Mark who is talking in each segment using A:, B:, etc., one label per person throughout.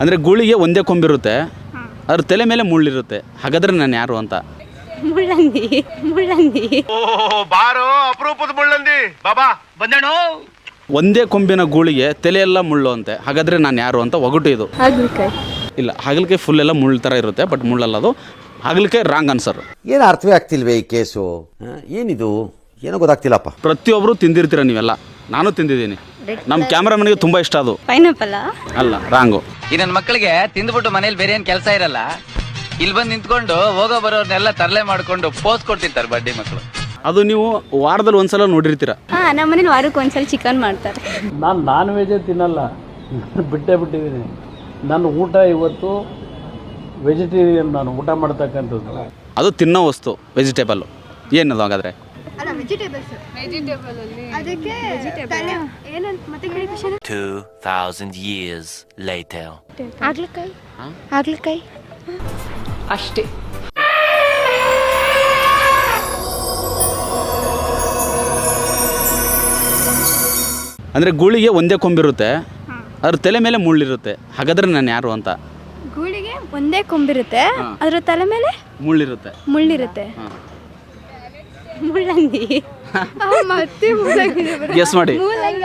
A: ಅಂದರೆ ಗೂಳಿಗೆ ಒಂದೇ ಕೊಂಬಿರುತ್ತೆ, ಅದ್ರ ತಲೆ ಮೇಲೆ ಮುಳ್ಳಿರುತ್ತೆ. ಹಾಗಾದ್ರೆ ನಾನು ಯಾರು ಅಂತ?
B: ಮುಳ್ಳಂದಿ. ಮುಳ್ಳಂದಿ.
C: ಬಾರೋ ಅಪರೂಪದ ಮುಳ್ಳಂದಿ ಬಾಬಾ ಬಂದೇಣೋ.
A: ಒಂದೇ ಕೊಂಬಿನ ಗೂಳಿಗೆ ತಲೆಯೆಲ್ಲ ಮುಳ್ಳು ಅಂತೆ. ಹಾಗಾದ್ರೆ ನಾನು ಯಾರು ಅಂತ ಒಗಟು ಇದು.
B: ಹಾಗಲಕಾಯಿ.
A: ಇಲ್ಲ, ಹಾಗಲಕಾಯಿ ಫುಲ್ ಎಲ್ಲ ಮುಳ್ಳು ಥರ ಇರುತ್ತೆ, ಬಟ್ ಮುಳ್ಳಲ್ಲ ಅದು. ಹಾಗಲಕಾಯಿ ರಾಂಗ್ ಆನ್ಸರ್.
D: ಏನು ಅರ್ಥವೇ ಆಗ್ತಿಲ್ವೇ ಈ ಕೇಸು? ಏನಿದು ಏನೋ ಗೊತ್ತಾಗ್ತಿಲ್ಲಪ್ಪ.
A: ಪ್ರತಿಯೊಬ್ಬರು ತಿಂದಿರ್ತೀರ ನೀವೆಲ್ಲ, ನಾನು ತಿಂದಿದ್ದೀನಿ. ನಮ್ಮ ಕ್ಯಾಮ್ರಾಮನ್ಗೆ ತುಂಬ ಇಷ್ಟ ಅದು.
B: ಪೈನಾಪಲ್
A: ಅಲ್ಲ, ರಾಂಗು.
E: ಈ ನನ್ನ ಮಕ್ಕಳಿಗೆ ತಿಂದ್ಬಿಟ್ಟು ಮನೇಲಿ ಬೇರೆ ಏನ್ ಕೆಲಸ ಇರಲ್ಲ, ಇಲ್ಲಿ ಬಂದು ನಿಂತ್ಕೊಂಡು ಹೋಗೋ ಬರೋರ್ನೆಲ್ಲ ತರಲೆ ಮಾಡ್ಕೊಂಡು ಪೋಸ್ ಕೊಡ್ತಿರ್ತಾರೆ ಬಡ್ಡಿ ಮಕ್ಕಳು.
A: ಅದು ನೀವು ವಾರದಲ್ಲಿ ಒಂದ್ಸಲ ನೋಡಿರ್ತೀರ.
B: ನಮ್ಮ ಮನೇಲಿ ವಾರಕ್ಕೆ ಒಂದ್ಸಲ ಚಿಕನ್ ಮಾಡ್ತಾರೆ.
F: ನಾನು ನಾನ್ ವೆಜ್ ತಿನ್ನಲ್ಲ, ಬಿಟ್ಟಿದ್ದೀನಿ. ನನ್ನ ಊಟ ಇವತ್ತು ವೆಜಿಟೇರಿಯನ್, ನಾನು ಊಟ ಮಾಡ್ತಕ್ಕಂಥದ್ದು.
A: ಅದು ತಿನ್ನೋ ವಸ್ತು, ವೆಜಿಟೇಬಲ್ಲು. ಏನದು ಹಾಗಾದ್ರೆ?
G: 2000 years later.
B: ಹಾಗಲಕಾಯಿ
H: ಅಷ್ಟೇ.
A: ಅಂದರೆ ಗೂಳಿಗೆ ಒಂದೇ ಕೊಂಬಿರುತ್ತೆ, ಅದ್ರ ತಲೆ ಮೇಲೆ ಮುಳ್ಳಿರುತ್ತೆ. ಹಾಗಾದ್ರೆ ನಾನು ಯಾರು ಅಂತ?
B: ಗೂಳಿಗೆ ಒಂದೇ ಕೊಂಬಿರುತ್ತೆ, ಅದ್ರ ತಲೆ ಮೇಲೆ
A: ಮುಳ್ಳಿರುತ್ತೆ.
B: ಮುಳ್ಳಿರುತ್ತೆ. ಮುಳ್ಳಂದಿ. ಮತ್ತೆ
A: ಗೆಸ್ ಮಾಡಿ.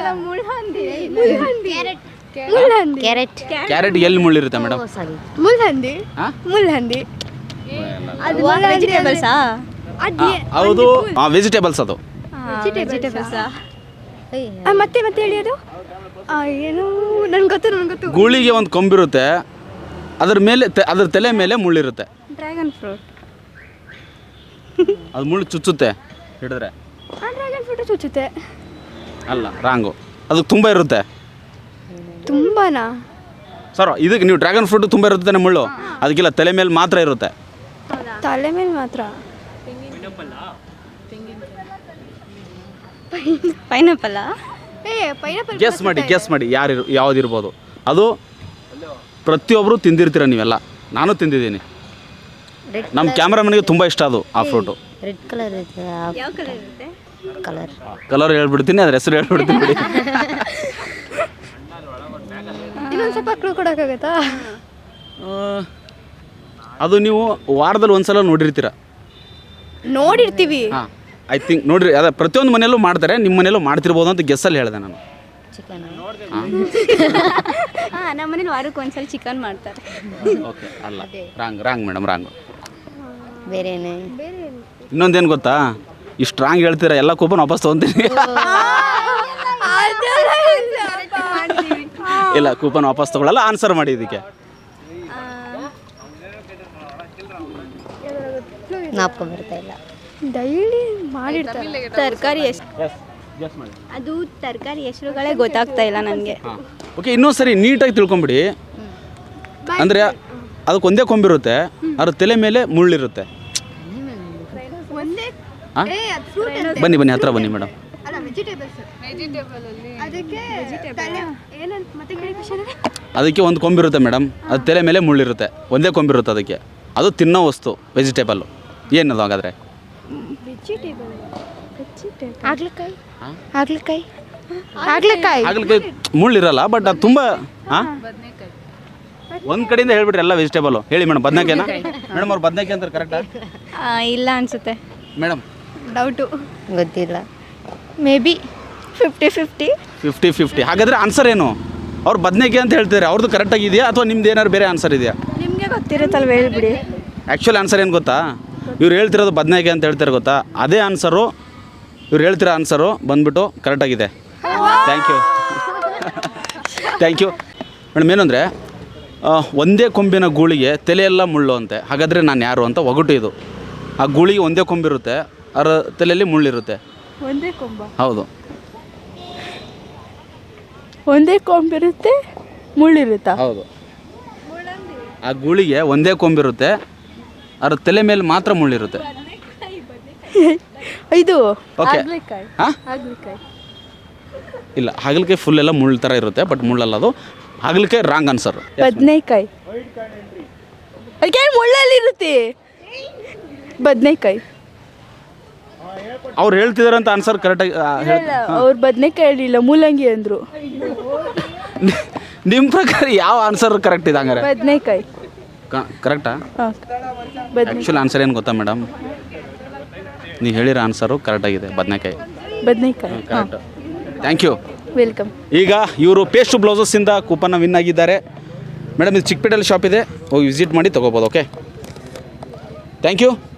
A: ಕ್ಯಾರೆಟ್ ಎಲ್ಲಿ ಮುಳ್ಳಿರುತ್ತೆ ಮೇಡಮ್?
B: ಮುಳ್ಳಂದಿ. ಮುಳ್ಳಂದಿ ವೆಜಿಟೇಬಲ್ಸಾ?
A: ಹೌದು, ವೆಜಿಟೇಬಲ್ಸ್ ಅದು.
B: ವೆಜಿಟೇಬಲ್ಸಾ? ಮತ್ತೆ ಮತ್ತೆ ಹೇಳಿ ಅದು ಏನು? ನನ್ಗೆ ಗೊತ್ತು.
A: ಗೂಳಿಗೆ ಒಂದು ಕೊಂಬಿರುತ್ತೆ, ಅದ್ರ ಮೇಲೆ ಅದ್ರ ತಲೆ ಮೇಲೆ ಮುಳ್ಳಿರುತ್ತೆ.
B: Dragon fruit.
A: ಅದು ಮುಳ್ಳು ಚುಚ್ಚುತ್ತೆ ಹಿಡಿದ್ರೆ.
B: ಡ್ರ್ಯಾಗನ್ ಫ್ರೂಟ್ ಚುಚ್ಚುತ್ತೆ.
A: ಅಲ್ಲ, ರಾಂಗು. ಅದು ತುಂಬ ಇರುತ್ತೆ.
B: ತುಂಬಾನಾ?
A: ಸರ್, ಇದಕ್ಕೆ ನೀವು ಡ್ರ್ಯಾಗನ್ ಫ್ರೂಟ್ ತುಂಬ ಇರುತ್ತೆ ಮುಳ್ಳು, ಅದಕ್ಕಿಲ್ಲ, ತಲೆ ಮೇಲೆ ಮಾತ್ರ ಇರುತ್ತೆ.
B: ತಲೆ ಮೇಲೆ ಮಾತ್ರ. ಪೈನಾಪಲ್.
A: ಗೆಸ್ ಮಾಡಿ ಯಾವುದಿರ್ಬೋದು ಅದು. ಪ್ರತಿಯೊಬ್ಬರು ತಿಂದಿರ್ತೀರ ನೀವೆಲ್ಲ, ನಾನು ತಿಂದಿದ್ದೀನಿ. ನಮ್ಮ ಕ್ಯಾಮ್ರಾಮನ್ಗೆ ತುಂಬ ಇಷ್ಟ ಅದು, ಆ ಫ್ರೂಟು.
I: ರೆಡ್ ಕಲರ್ ಇರುತ್ತೆ.
B: ಯಾವ ಕಲರ್ ಇರುತ್ತೆ?
A: ಕಲರ್ ಹೇಳ್ಬಿಡ್ತೀನಿ, ಅದ್ರ ಹೆಸರು ಹೇಳ್ಬಿಡ್ತೀನಿ ಬಿಡಿ.
B: ಇನ್ನೊಂದು ಸ್ವಲ್ಪ ಕ್ಲೂ ಕೊಡೋಕ್ಕಾಗತ್ತಾ?
A: ಅದು ನೀವು ವಾರದಲ್ಲಿ ಒಂದ್ಸಲ ನೋಡಿರ್ತೀರ.
B: ನೋಡಿರ್ತೀವಿ.
A: ಹಾಂ, ಐ ಥಿಂಕ್ ನೋಡ್ರಿ. ಅದೇ ಪ್ರತಿಯೊಂದು ಮನೆಯಲ್ಲೂ ಮಾಡ್ತಾರೆ, ನಿಮ್ಮ ಮನೆಯಲ್ಲೂ ಮಾಡ್ತಿರ್ಬೋದು ಅಂತ ಗೆಸ್ಸಲ್ಲಿ ಹೇಳಿದೆ ನಾನು.
I: ಚಿಕನ್.
B: ನಮ್ಮ ಮನೇಲಿ ವಾರಕ್ಕೆ ಒಂದ್ಸಲ ಚಿಕನ್ ಮಾಡ್ತಾರೆ.
A: ಓಕೆ, ಅಲ್ಲ, ರಾಂಗ್ ಮೇಡಮ್, ರಾಂಗು.
I: ಬೇರೆನೇ.
A: ಇನ್ನೊಂದೇನು ಗೊತ್ತಾ? ಇಷ್ಟು ರಾಂಗ್ ಹೇಳ್ತೀರಾ, ಎಲ್ಲ ಕೂಪನ್ ವಾಪಸ್ ತೊಗೊತೀನಿ. ಇಲ್ಲ, ಕೂಪನ್ ವಾಪಸ್ ತಗೊಳ್ಳಲ್ಲ. ಆನ್ಸರ್ ಮಾಡಿ ಇದಕ್ಕೆ.
I: ನಾಪ್ಕೊಂಡ್ ಬರ್ತಾ ಇಲ್ಲ.
B: ಡೈಲಿ ಮಾಡಿರ್ತಾರೆ. ತರಕಾರಿ ಅದು ತರಕಾರಿ ಹೆಸರುಗಳೇ ಗೊತ್ತಾಗ್ತಾ ಇಲ್ಲ ನನಗೆ.
A: ಓಕೆ, ಇನ್ನೊಂದ್ಸರಿ ನೀಟಾಗಿ ತಿಳ್ಕೊಂಬಿಡಿ. ಅಂದರೆ ಅದಕ್ಕೆ ಒಂದೇ ಕೊಂಬಿರುತ್ತೆ, ಅದ್ರ ತಲೆ ಮೇಲೆ ಮುಳ್ಳಿರುತ್ತೆ. ಬನ್ನಿ ಹತ್ರ ಬನ್ನಿ ಮೇಡಮ್. ಅದಕ್ಕೆ ಒಂದು ಕೊಂಬಿರುತ್ತೆ ಮೇಡಮ್, ಅದು ತಲೆ ಮೇಲೆ ಮುಳ್ಳಿರುತ್ತೆ. ಒಂದೇ ಕೊಂಬಿರುತ್ತೆ ಅದಕ್ಕೆ. ಅದು ತಿನ್ನೋ ವಸ್ತು, ವೆಜಿಟೇಬಲ್ಲು. ಏನದು ಹಾಗಾದ್ರೆ? ಹಾಗಲಕಾಯಿ ಮುಳ್ಳಿರಲ್ಲ, ಬಟ್ ಅದು ತುಂಬ. ಒಂದು ಕಡೆಯಿಂದ ಹೇಳ್ಬಿಟ್ರೆ ಎಲ್ಲ ವೆಜಿಟೇಬಲ್ಲು. ಹೇಳಿ ಮೇಡಮ್, ಬದನೆಕಾಯಿನಾ ಮೇಡಮ್? ಅವ್ರು ಬದನೆಕಾಯಿ ಅಂತಾರೆ ಕರೆಕ್ಟಾ?
B: ಇಲ್ಲ ಅನ್ಸುತ್ತೆ
A: ಮೇಡಮ್.
B: ಡೌಟು,
I: ಗೊತ್ತಿಲ್ಲ.
B: Maybe 50-50.
A: ಹಾಗಾದ್ರೆ ಆನ್ಸರ್ ಏನು? ಅವ್ರು ಬದನೆಕಾಯಿ ಅಂತ ಹೇಳ್ತಾರೆ, ಅವ್ರದ್ದು ಕರೆಕ್ಟಾಗಿದೆಯಾ ಅಥವಾ ನಿಮ್ದು ಏನಾದ್ರು ಬೇರೆ ಆನ್ಸರ್ ಇದೆಯಾ?
B: ನಿಮಗೆ ಗೊತ್ತಿರುತ್ತಲ್ವ, ಹೇಳ್ಬಿಡಿ.
A: ಆ್ಯಕ್ಚುಲಿ ಆನ್ಸರ್ ಏನು ಗೊತ್ತಾ? ಇವ್ರು ಹೇಳ್ತಿರೋದು ಬದನೆಕಾಯಿ ಅಂತ ಹೇಳ್ತಾರೆ ಗೊತ್ತಾ? ಅದೇ ಆನ್ಸರು. ಇವ್ರು ಹೇಳ್ತಿರೋ ಆನ್ಸರು ಬಂದ್ಬಿಟ್ಟು ಕರೆಕ್ಟಾಗಿದೆ. Thank you madam. ಏನು ಅಂದರೆ, ಒಂದೇ ಕೊಂಬಿನ ಗೂಳಿಗೆ ತಲೆಯೆಲ್ಲ ಮುಳ್ಳು ಅಂತೆ. ಹಾಗಾದರೆ ನಾನು ಯಾರು ಅಂತ ಒಗಟು ಇದು. ಆ ಗೂಳಿಗೆ ಒಂದೇ ಕೊಂಬಿರುತ್ತೆ, ಅದರ ತಲೆಯಲ್ಲಿ ಮುಳ್ಳಿರುತ್ತೆ.
B: ಒಂದೇ ಕೊಂಬ?
A: ಹೌದು.
B: ಒಂದೇ ಕೊಂಬಿರುತ್ತೆ, ಮುಳ್ಳಿರುತ್ತಾ?
A: ಹೌದು. ಆ ಗೂಳಿಗೆ ಒಂದೇ ಕೊಂಬಿರುತ್ತೆ, ಅದ್ರ ತಲೆ ಮೇಲೆ ಮಾತ್ರ ಮುಳ್ಳಿರುತ್ತೆ.
B: ಇದು
A: ಓಕೆ. ಹಾಂ, ಇಲ್ಲ, ಹಾಗಲಕಾಯಿ ಫುಲ್ ಎಲ್ಲ ಮುಳ್ಳು ಥರ ಇರುತ್ತೆ, ಬಟ್ ಮುಳ್ಳಲ್ಲ ಅದು. ಹಾಗಲಕಾಯಿ ರಾಂಗ್ ಆನ್ಸರ್.
B: ಬದನೆಕಾಯಿ. ಅದಕ್ಕೆ ಮುಳ್ಳಲ್ಲಿ ಇರುತ್ತೆ. ಬದನೆಕಾಯಿ.
A: ಅವ್ರು ಹೇಳ್ತಿದಾರಂತ ಆನ್ಸರ್ ಕರೆಕ್ಟಾಗಿ.
B: ಅವ್ರು ಬದನೆಕಾಯಿ ಹೇಳಿಲ್ಲ, ಮೂಲಂಗಿ ಅಂದರು.
A: ನಿಮ್ಮ ಪ್ರಕಾರ ಯಾವ ಆನ್ಸರ್ ಕರೆಕ್ಟ್ ಇದೆ ಹಂಗಾರೆ?
B: ಬದನೆಕಾಯಿ.
A: ಕರೆಕ್ಟಾ?
B: ಹಾಂ, ಬದನೆ
A: ಆ್ಯಕ್ಚುಲಿ ಆನ್ಸರ್ ಏನು ಗೊತ್ತಾ ಮೇಡಮ್, ನೀವು ಹೇಳಿರೋ ಆನ್ಸರು ಕರೆಕ್ಟಾಗಿದೆ, ಬದನೆಕಾಯಿ.
B: ಬದನೆಕಾಯಿ. ಹಾಂ,
A: ಕರೆಕ್ಟ್, ಥ್ಯಾಂಕ್ ಯು.
B: ವೆಲ್ಕಮ್.
A: ಈಗ ಇವರು ಪೇಸ್ಟ್ ಬ್ಲೌಸಸ್ಸಿಂದ ಕೂಪನ್ನ ವಿನ್ ಆಗಿದ್ದಾರೆ ಮೇಡಮ್. ಇದು ಚಿಕ್ಕಪೇಟೆಯಲ್ಲಿ ಶಾಪ್ ಇದೆ, ಹೋಗಿ ವಿಸಿಟ್ ಮಾಡಿ ತೊಗೋಬೋದು. Okay, thank you.